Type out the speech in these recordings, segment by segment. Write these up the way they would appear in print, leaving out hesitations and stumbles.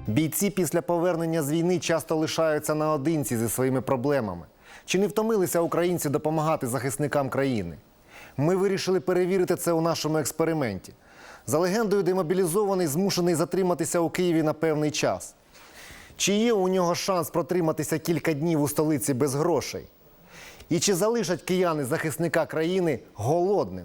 Бійці після повернення з війни часто лишаються наодинці зі своїми проблемами. Чи не втомилися українці допомагати захисникам країни? Ми вирішили перевірити це у нашому експерименті. За легендою, демобілізований змушений затриматися у Києві на певний час. Чи є у нього шанс протриматися кілька днів у столиці без грошей? І чи залишать кияни захисника країни голодним?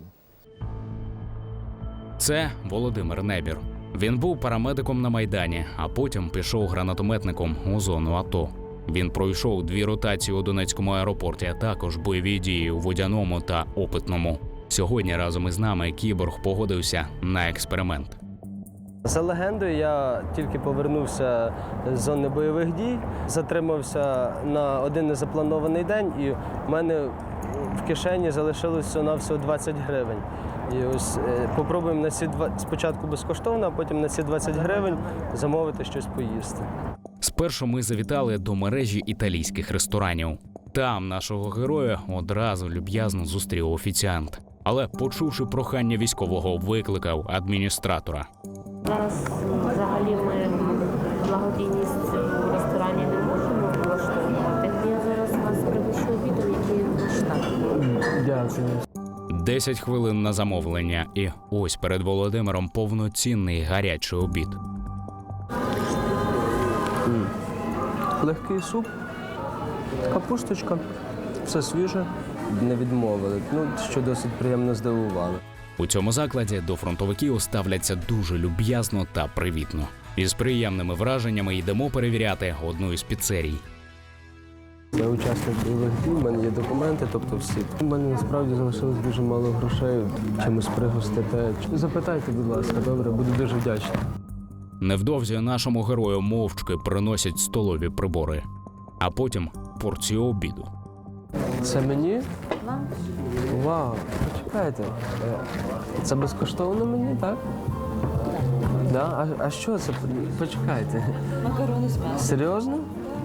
Це Володимир Небір. Він був парамедиком на Майдані, а потім пішов гранатометником у зону АТО. Він пройшов 2 ротації у Донецькому аеропорті, а також бойові дії у Водяному та Опитному. Сьогодні разом із нами кіборг погодився на експеримент. За легендою, я тільки повернувся з зони бойових дій, затримався на один незапланований день, і в мене в кишені залишилось всього-навсього 20 гривень. І ось попробуємо на ці спочатку безкоштовно, а потім на ці 20 гривень замовити щось поїсти. Спершу ми завітали до мережі італійських ресторанів. Там нашого героя одразу люб'язно зустрів офіціант. Але, почувши прохання військового, викликав адміністратора. Зараз взагалі ми благодійність в ресторані не можемо влаштовувати. Я зараз вас пригощу обідом, який ваш штат. Дякую. 10 хвилин на замовлення, і ось перед Володимиром повноцінний гарячий обід. Легкий суп, капусточка, все свіже. Не відмовили, що досить приємно здивувало. У цьому закладі до фронтовиків ставляться дуже люб'язно та привітно. Із приємними враженнями йдемо перевіряти одну із піцерій. Я учасник бойових дій, в мене є документи, тобто всі. У мене насправді залишилось дуже мало грошей, чимось пригостите. Запитайте, будь ласка, добре, буду дуже вдячний. Невдовзі нашому герою мовчки приносять столові прибори, а потім порцію обіду. Це мені? Вау, почекайте. Це безкоштовно мені, так? Да? А що це? Почекайте. Макарони з м'ясом. Серйозно?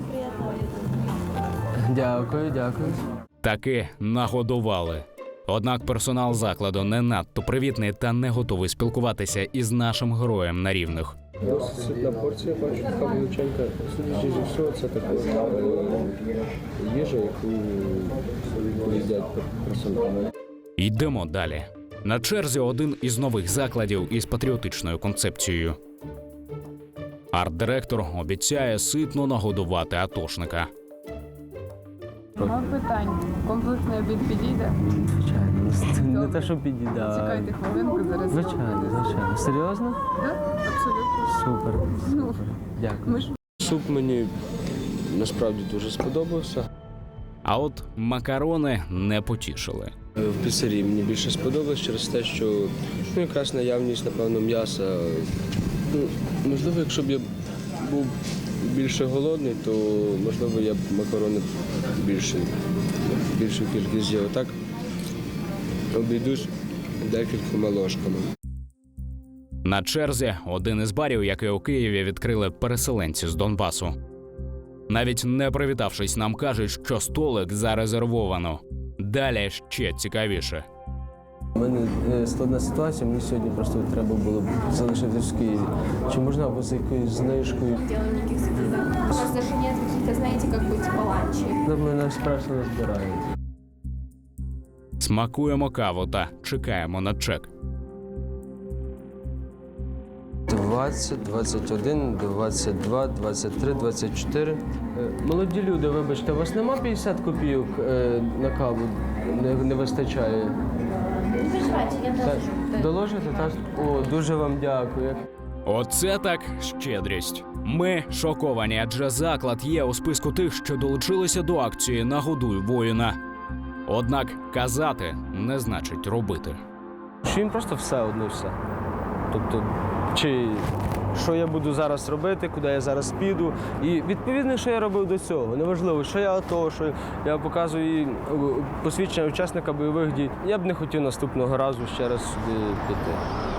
Дякую, дякую. Таки нагодували. Однак персонал закладу не надто привітний та не готовий спілкуватися із нашим героєм на рівних. Досить ситна порція, бачу, така величенька. Судячи зі всього, це така їжа, яку їдять персонал. Йдемо далі. На черзі один із нових закладів із патріотичною концепцією. Арт-директор обіцяє ситно нагодувати атошника. Мав питань. Комплексний обід підійде? Звичайно, не те, що підійде. Чекайте хвилинку, зараз. Звичайно, звичайно. Серйозно? Так, абсолютно. Супер. Супер. Дякую. Суп мені насправді дуже сподобався. А от макарони не потішили. В піцерії мені більше сподобалось через те, що якраз наявність, напевно, м'яса. Можливо, якщо б я був більше голодний, то, можливо, я б макарони більшу кількість з'їв. Так обійдусь декількома ложками. На черзі один із барів, який у Києві відкрили переселенці з Донбасу. Навіть не привітавшись, нам кажуть, що столик зарезервовано. Далі ще цікавіше. У мене складна ситуація, мені сьогодні просто треба було б залишитись в Києві. Чи можна або за якоюсь знижкою? Делаем никаких скидок. У нас даже нет каких-то, знаете, как бы типа ланчей. Мене спершу не збирають. Смакуємо каву та чекаємо на чек. 20, 21, 22, 23, 24. Молоді люди, вибачте, у вас нема 50 копійок на каву? Не вистачає? Не переживайте, я доложу. Доложите, так? О, дуже вам дякую. Оце так щедрість. Ми шоковані, адже заклад є у списку тих, що долучилися до акції «Нагодуй воїна». Однак казати не значить робити. Чи їм просто все одно все? Тобто, чи що я буду зараз робити, куди я зараз піду. І відповідно, що я робив до цього. Неважливо, що я АТО, що я показую посвідчення учасника бойових дій. Я б не хотів наступного разу ще раз сюди піти.